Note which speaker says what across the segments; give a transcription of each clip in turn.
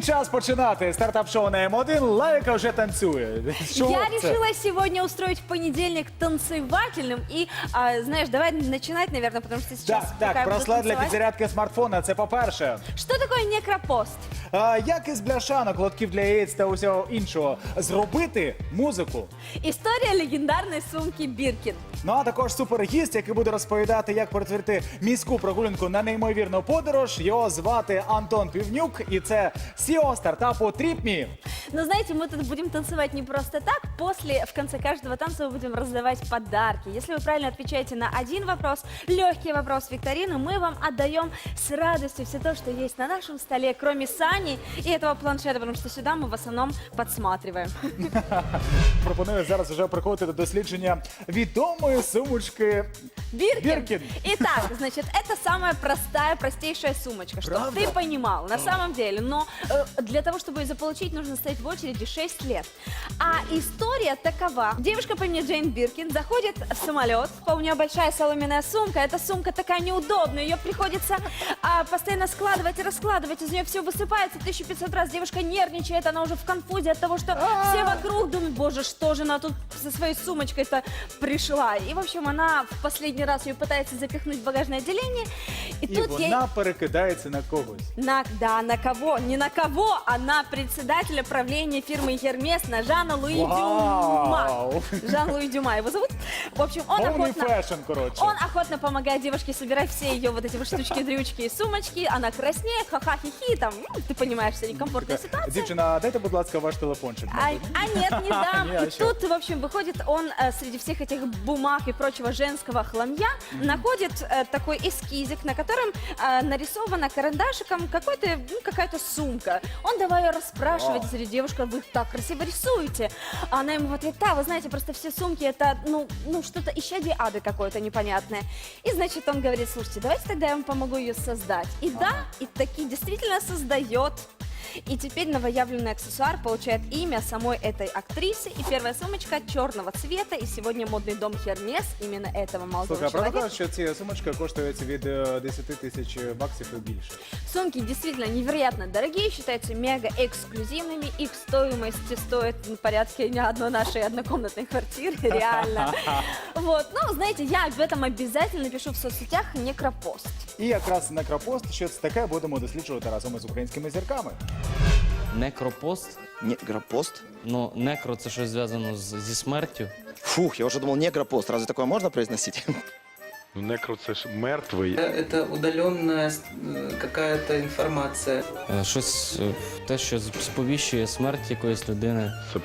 Speaker 1: час починати. Стартап-шоу на М1. Лайка вже танцює. Що
Speaker 2: Я
Speaker 1: це?
Speaker 2: решила сегодня устроить понедельник танцевательным. И, знаешь, давай начинать, наверное, потому что сейчас пока
Speaker 1: Так,
Speaker 2: я буду
Speaker 1: браслет для
Speaker 2: танцевать.
Speaker 1: підзарядки смартфона, це по-перше.
Speaker 2: Что такое некропост?
Speaker 1: Як із бляшанок, лотків для яєць та усього іншого зробити музику?
Speaker 2: История легендарной сумки Биркин.
Speaker 1: Ну а також супергість, який буде розповідати, як перетворити міську прогулянку на неймовірну подорож. Його звати Антон Півнюк, і це CEO стартапу TripMe.
Speaker 2: Но знаете, мы тут будем танцевать не просто так. После, в конце каждого танца мы будем раздавать подарки. Если вы правильно отвечаете на один вопрос, легкий вопрос викторины, мы вам отдаем с радостью все то, что есть на нашем столе, кроме Сани и этого планшета, потому что сюда мы в основном подсматриваем.
Speaker 1: Пропоную зараз вже приходити до дослідження відомої сумочки Биркин.
Speaker 2: Итак, значит, это самая простейшая сумочка, чтобы
Speaker 1: Правда?
Speaker 2: ты понимал, на самом деле. Но для того, чтобы ее заполучить, нужно стоять в очереди 6 лет. А история такова. Девушка по имени Джейн Биркин заходит в самолет, у нее большая соломенная сумка, эта сумка такая неудобная, ее приходится постоянно складывать и раскладывать, из нее все высыпается 1500 раз, девушка нервничает, она уже в конфузе от того, что все вокруг думают, боже, что же она тут со своей сумочкой-то пришла. И, в общем, она в последний раз ее пытается запихнуть в багажное отделение, и
Speaker 1: І
Speaker 2: тут ей...
Speaker 1: вона перекидається на когось.
Speaker 2: На кого? Не на кого, а на председателя правления фирмы Hermes, на Жана Луи Дюма.
Speaker 1: Вау!
Speaker 2: Жан-Луи Дюма его зовут. В общем,
Speaker 1: Повний фешн, коротше.
Speaker 2: он охотно помогает девушке собирать все ее вот эти вот штучки-дрючки и сумочки. Она краснеет, ха-ха-хи-хи, там, ну, ты понимаешь, что некомфортная ситуация.
Speaker 1: Дівчина, дайте, будь ласка, ваш телефончик.
Speaker 2: Нет, не дам.
Speaker 1: Не, а
Speaker 2: И
Speaker 1: чё?
Speaker 2: тут, в общем, выходит он среди всех этих бумаг и прочего женского хламья, находит такой эскизик, на котором нарисована карандашиком какая-то сумка. Он давай ее расспрашивать среди девушек, вы так красиво рисуете. А она ему в ответ, да, вы знаете, просто все сумки это, ну что-то исчадие ада какое-то непонятное. И, значит, он говорит, слушайте, давайте тогда я вам помогу ее создать. И да, и таки действительно создает. И теперь новоявленный аксессуар получает имя самой этой актрисы. И первая сумочка черного цвета. И сегодня модный дом Hermes именно этого молодого
Speaker 1: Слухай, а правда
Speaker 2: человека.
Speaker 1: кажуть, що ці сумочки коштують від 10 тисяч баксів і більше?
Speaker 2: Сумки действительно невероятно дорогие, считаются мега эксклюзивными. Их стоимость стоит в порядке не одной нашей однокомнатной квартиры, реально. Вот, ну, знаете, я об этом обязательно пишу в соцсетях Некропост.
Speaker 1: І якраз некропост, що це таке, будемо досліджувати разом із українськими зірками.
Speaker 3: Некропост.
Speaker 4: Негропост?
Speaker 3: Ну, некро це щось зв'язано зі смертю.
Speaker 4: Фух, я уже думал негропост. Разве такое можно произносить?
Speaker 5: Ну, некро це ж мертвий.
Speaker 6: Это удаленная какая-то информация.
Speaker 3: Щось те, що сповіщує смерть якоїсь людини.
Speaker 5: Це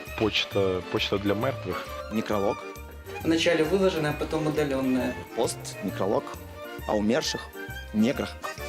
Speaker 5: почта для мертвих.
Speaker 4: Некролог,
Speaker 6: Вначале выложенная, а потом удаленная.
Speaker 4: пост, некролог, а умерших неграх.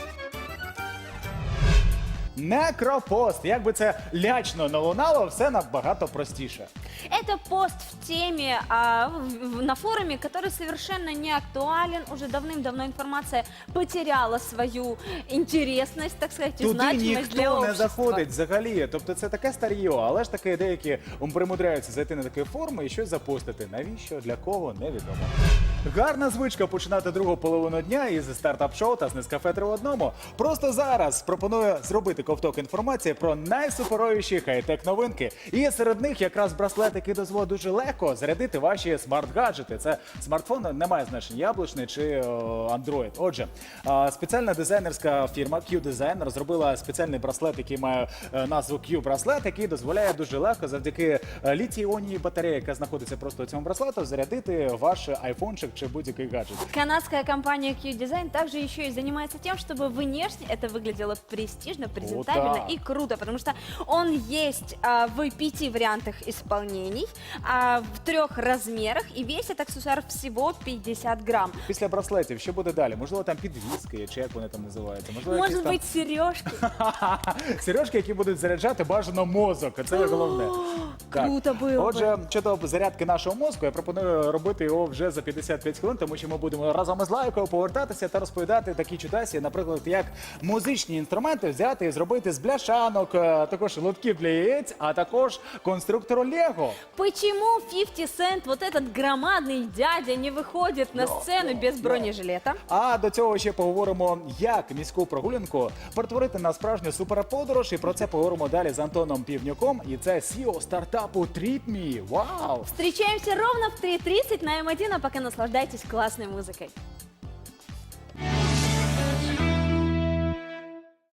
Speaker 1: Некропост. Як би це лячно не лунало, все набагато простіше.
Speaker 2: Это пост в теме на форуме, который совершенно не актуален. Уже давным-давно информация потеряла свою интересность, так сказать, и
Speaker 1: Туди
Speaker 2: значимость для
Speaker 1: ніхто не
Speaker 2: общества.
Speaker 1: заходить взагалі. Тобто це таке старьо, але ж таки деякі примудряються зайти на такі форуми і щось запостити. Навіщо, для кого, невідомо. Гарна звичка починати другу половину дня із стартап-шоу та з Нескафе 3 в одному. Просто зараз пропоную зробити ковток інформації про найсуперовіші хай-тек новинки. І серед них якраз браслет, який дозволить дуже легко зарядити ваші смарт-гаджети. Це смартфон, немає значення, яблучний чи Android. Отже, спеціальна дизайнерська фірма Q-Design розробила спеціальний браслет, який має назву Q-браслет, який дозволяє дуже легко завдяки літій-іонній батареї, яка знаходиться просто у цьому браслету, зарядити ваш айфончик чи будь-який гаджет.
Speaker 2: Канадская компания Q-Design также еще и занимается тем, чтобы внешне это выглядело престижно, презентабельно
Speaker 1: да.
Speaker 2: и круто, потому что он есть в 5 вариантах исполнений, в 3 размерах, и весит аксессуар всего 50 грамм.
Speaker 1: Після браслетів що буде далі? Можливо, там підвіски, чи як вони там називаються? Можливо,
Speaker 2: Может
Speaker 1: якісь
Speaker 2: быть, сережки.
Speaker 1: там сережки, які будуть заряджати бажано мозок. Це головне. Так.
Speaker 2: Круто було б.
Speaker 1: Отже, щодо зарядки нашого мозку, я пропоную робити його вже за 50 5 хвилин, тому що ми будемо разом із Лайкою повертатися та розповідати такі чудесі, наприклад, як музичні інструменти взяти і зробити з бляшанок, також лотків для яєць, а також конструктору Лего.
Speaker 2: Почему 50 Cent, вот этот громадный дядя, не выходит на сцену без бронежилета?
Speaker 1: А до цього ще поговоримо, як міську прогулянку перетворити на справжню суперподорож. І про це поговоримо далі з Антоном Півнюком. І це CEO стартапу TripMe. Вау!
Speaker 2: Встречаемся ровно в 3:30 на М1, а пока наслаждайтесь классной музыкой.